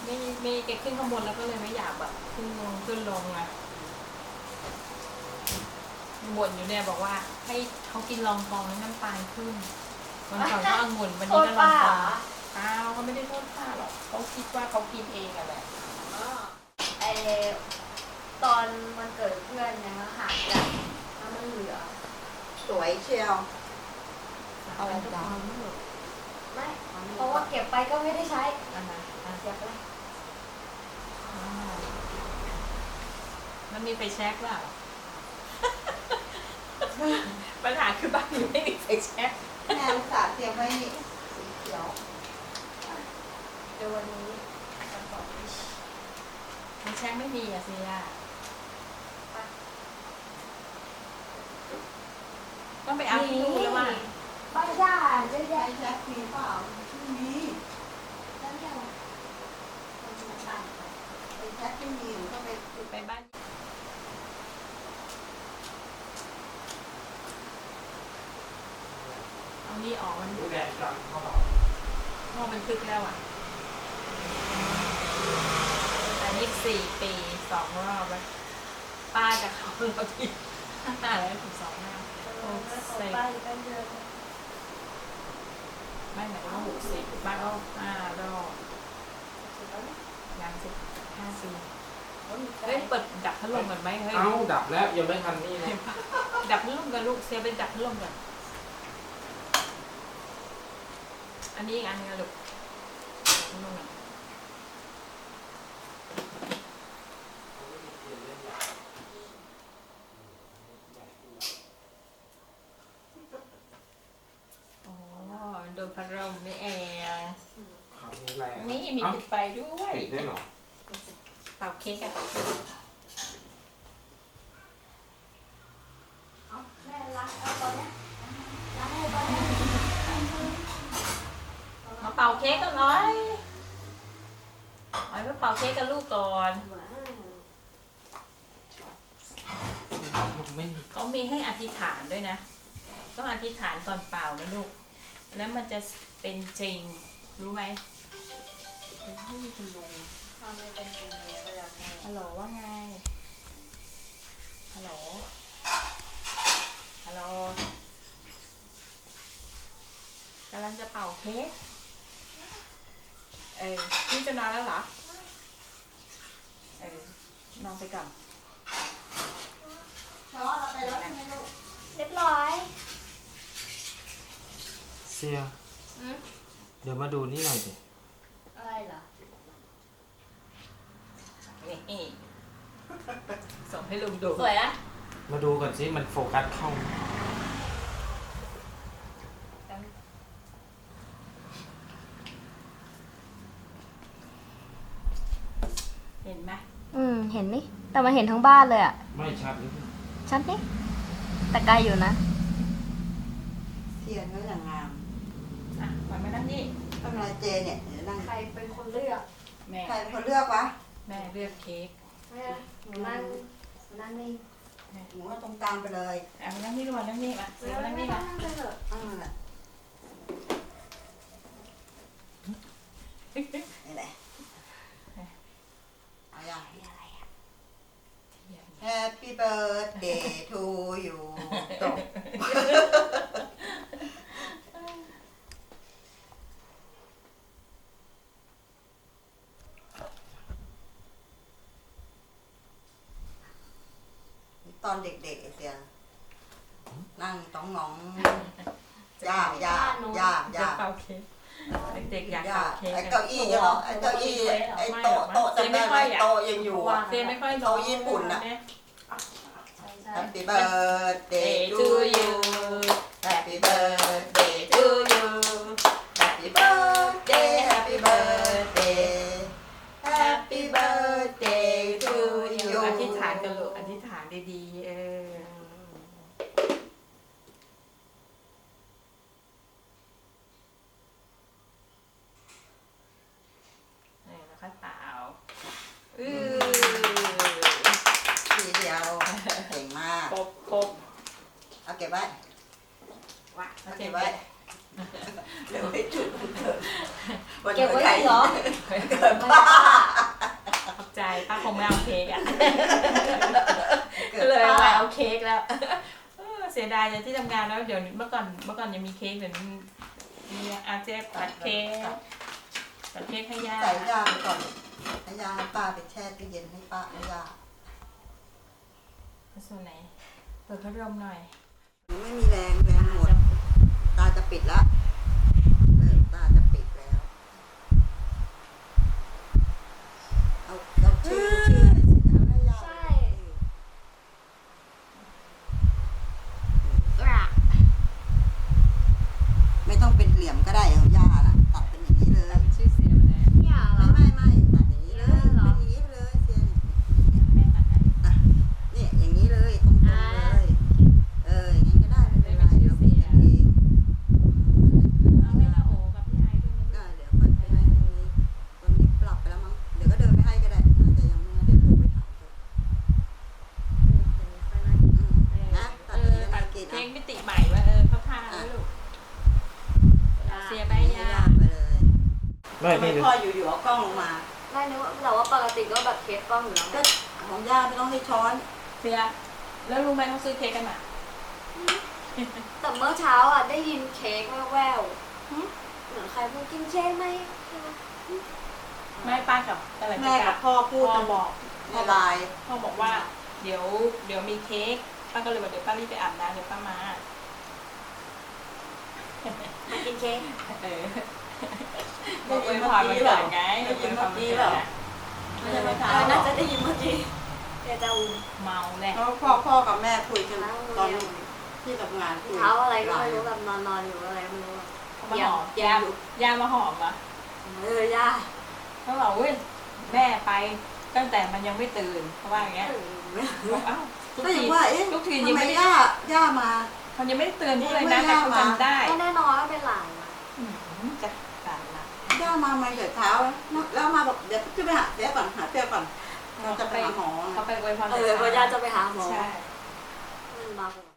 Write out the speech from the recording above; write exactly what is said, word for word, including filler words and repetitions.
ไม่ไม่แกขึ้นข้างบนแล้วก็เลยไม่อยากแบบขึ้นลงขึ้นลงอะบ่นอยู่เนี่ยบอกว่าให้เขากินรองกองแล้วน้ำตาลขึ้นวันก่อนก็องุ่นวันนี้ก็รองกองเปล่าเขาไม่ได้โทษป้าหรอกเขาคิดว่าเขากินเองอะแหละไอตอนมันเกิดเพื่อนเนี่ยหายกันแล้วมันเหลือสวยเชียวเอาอะไรจ้าไม่เพราะว่าเก็บไปก็ไม่ได้ใช้อันนั้นเสียไปมันมีไฟแช็กเปล่าปัญหาคือบ้านนี้ไม่มีไฟแช็กแม่อุตส่าห์เตรียมไว้สีเขียวเดี๋ยววันนี้ไฟแช็กไม่มีอะเซียต้องไปเอาที่ดูแล้วว่าบ้านย่าจะใช้แจ็คมีเปล่าไม่มีบ้านย่าไอ้แจ็คไม่มีหนูก็ไปไปบ้านเอานี่ออกมันดูแดดจังเขาบอกพ่อมันคึกแล้วอ่ะอันนี้สี่ปีสองรอบแล้วป้าจะเขาเราทีห้าแล้วถึงสองห้าใส่บ้านกันเยอะไม่หมายถึงว่าหกสิบบ้านก็ห้ารอบยังสิบห้าปีเฮ้ยเปิดดับพัดลมกันไหมเฮ้ยเอ้าดับแล้วยังไม่ทันนี่เลยดับพัดลมกันลูกเซลเป็นดับพัดลมกันอันนี้อีกอันนึงลูกพัดลมกันโดนพัดลมนี่เองนี่มีปิดไฟด้วยปิดได้หรอเป่าเค้กอะแม่รักเอาตอนนี้รักให้ตอนนี้มาเป่าเค้กกันหน่อยเอาไปเป่าเค้กกับลูกก่อนเขามีให้อธิษฐานด้วยนะต้องอธิษฐานก่อนเป่านะลูกแล้วมันจะเป็นจริงรู้ไหมไม่มีคุณลุงทำไม่เป็นจริงเลยก็อยากให้ฮัลโหลว่าไงฮัลโหลฮัลโหลกำลังจะเป่าเค้กเออพี่จะนอนแล้วเหรอเออนอนไปก่อนช้อนเราไปแล้วใช่ไหมลูกเรียบร้อยเสียเดี๋ยวมาดูนี่หน่อยสิอะไรเหรอนี่ส่งให้ลุงดูสวยนะมาดูก่อนสิมันโฟกัสเข้าเห็นไหมอืมเห็นนี่แต่มันเห็นทั้งบ้านเลยอ่ะไม่ชัดหรือชัดนี่แต่ไกลอยู่นะเทียนก็อย่างงามอ่ะมามานั่งนี่ทำอะไรเจเนี่ยนั่งใครเป็นคนเลือกแม่ใครเป็นคนเลือกวะแม่เลือกเค้กแม่หนูนั่งหนูนั่งนี่หนูก็ตรงกลางไปเลยอ่ะนั่งนี่ก่อนนั่งนี่มาเสือนั่งนี่มานั่งไปเถอะอ่าแหละนี่แหละเอาอย่างอะไรอ่ะ Happy birthday to you จบตอนเด็กๆเสียนั่งต้องงองย่าย่าย่าย่าเป่าเค้กเด็กๆอยากย่าเป่าเค้กไอ้เก้าอี้ยังไอ้เก้าอี้ไอ้โต๊ะโต๊ะจำได้ไหมโต๊ะยังอยู่อ่ะเซไม่ค่อยโต๊ะญี่ปุ่นอ่ะ Happy birthday to you Happy birthday to you Happy birthday Happy birthday Happy birthday to you อธิษฐานกันลูกอธิษฐานดีๆเออนี่แล้วค่อยเป่าอือทีเดียวเก่งมากครบครบเอาเก็บไว้ว่าเอาเก็บไว้เดี๋ยวไม่จุดวันเกิดวันเก็บเกิดไว้ใครเหรอเกิดป้าขอบใจป้าคงไม่เอาเค้กอ่ะเกิก็ดเลยป้ามาเอาเค้กแล้วเออเสียดายเลยที่ทำงานแล้วเดี๋ยวนี้เมื่อก่อนเมื่อก่อนยังมีเค้กเดี๋ยวนี้มีอาเจตัดเค้กตัดเค้กให้ย่าใส่ยาไปก่อนให้ยาให้ป้าไปแช่ตู้เย็นให้ป้าให้ยาส่วนไหนเปิดพัดลมหน่อยไม่มีแรงแรงหมดตาจะปิดแล้วเริ่มตาจะปิดแล้วเอาเอาชื่อชื่อเอาให้ยาใช่ไม่ต้องเป็นเหลี่ยมก็ได้เอายาน่ะตัดเป็นอย่างนี้เลยเป็นชื่อเสียงเลยเนี่ยเหรไม่อไม่ไม่ตัดอย่างนี้เลยเป็นอย่างนี้ไปเลยเสียนแม่ตัดให้อ่ะเนี่ยอย่างนี้เลยตรงๆเลยเอออย่างนี้ก็ได้ไม่เป็นไรเดี๋ยวเราปิดกันเองเอาให้น้าโอกับพี่ไอซ์ด้วยนะก็เดี๋ยวค่อยไปให้ตรงนี้ตรงนี้ปรับไปแล้วมั้งเดี๋ยวก็เดินไปให้ก็ได้น่าจะยังไม่เดี๋ยวโทรไปถามเถอะอืมนะตัเอดอย่างอนี้แล้วตัมาดกินเค้อ่ะกมิติใหม่ว่าเออเขาทาแล้วลูกเสียไปให้ย่าย่าไปเลยไม่ทำไมนี่พ่ออยู่ๆเอากล้องลงมาไม่นึกว่าแต่ว่าปกติก็แบบเทสกล้องอยู่แล้วไงก็ของย่าไม่ต้องให้ช้อนเสียแล้วรู้ไหมเขาซื้อเค้กกันอ่ะแต่เมื่อเช้าอ่ะได้ยินเค้กแว่วๆหึเหมือนใครพูดกินเค้กไหมไม่ป้ากับอะไรแม่กับพ่อพูดพ่อกันบอกในไลน์พ่อบอกว่า เดี๋ยวเดี๋ยวมีเค้กป้าก็เลยบอกเดี๋ยวป้ารีบไปอาบน้ำเดี๋ยวป้ามามากินเค้กเออบอกอวยพรวันเกิดไงได้ยินเมื่อกี้อเปล่าวยพรวันไม่ใช่เมื่อเอเช้าอหรน่าอจะได้ยินเมื่อกี้เดี๋ยวจะอูเมาแหละเพราะพ่อพ่อกับแม่คุยกันตอนที่ทำงานคุยเท้าอะไรก็ไม่รู้แบบนอนนอนๆอยู่อะไรก็ไม่รู้อะเขามาหอมเยี่ยยาม ยามาหอมอ่ะเออย่าเขาบอกเว้ยแม่ไปตั้งแต่มันยังไม่ตื่นเขาว่าอย่างเงี้ยบอกเอ้าทุกก็อทีย่างว่าเอ๊ะทุกทีทำยังไมไม่ได้ย่าย่ามามันยังไม่ได้เตือนพวกเลยไม่นะได้แต่เขามาจำได้ก็แน่นอนว่าเป็นหลานอะอืมจะตายละย่ามามาเดี๋ยวเช้าแล้วมาบอกเดี๋ยวจะไปหาเดี๋ยวก่อนหาเตี้ยก่อนเราจะไปหาหมอเขาไปอวยพรเออเพราะย่าจะไปหาหมอใช่มันมา